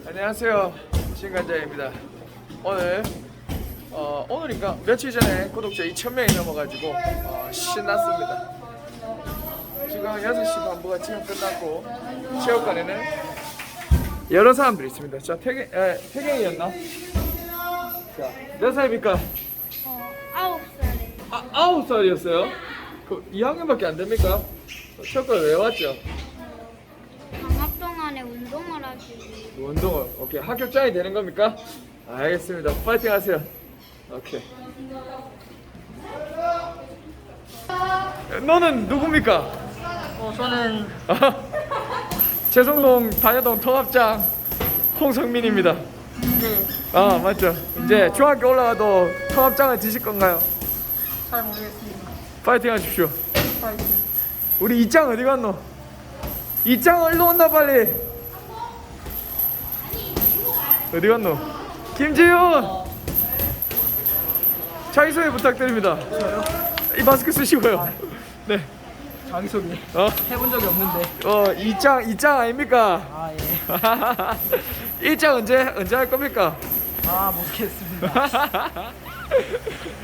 안녕하세요, 신간자입니다. 오늘인가 며칠 전에 구독자 2,000명이 넘어가지고 신났습니다. 지금 6시 반부가 지금 끝났고 체육관에는 여러 사람들이 있습니다. 자, 태경이었나? 자, 몇 살입니까? 9살에. 9살이었어요? 그 2학년밖에 안 됩니까? 체육관 왜 왔죠? 방학 동안에 운동을 하시고. 운동을. 오케이, 합격장이 되는 겁니까? 알겠습니다. 파이팅 하세요. 오케이. 너는 누굽니까? 저는 재성동 단여동 통합장 홍성민입니다. 네, 아, 맞죠. 이제 중학교 올라가도 통합장을 지실 건가요? 잘 모르겠습니다. 파이팅 하십시오. 파이팅. 우리 이짱 어디 갔노? 이짱 얼른 온나 빨리. 어디 갔노? 김지윤 자기소개 부탁드립니다. 이 마스크 쓰시고요. 네. 자기소개 해본 적이 없는데. 이짱 아닙니까? 아, 예. 일짱 언제 할 겁니까? 아, 모르겠습니다.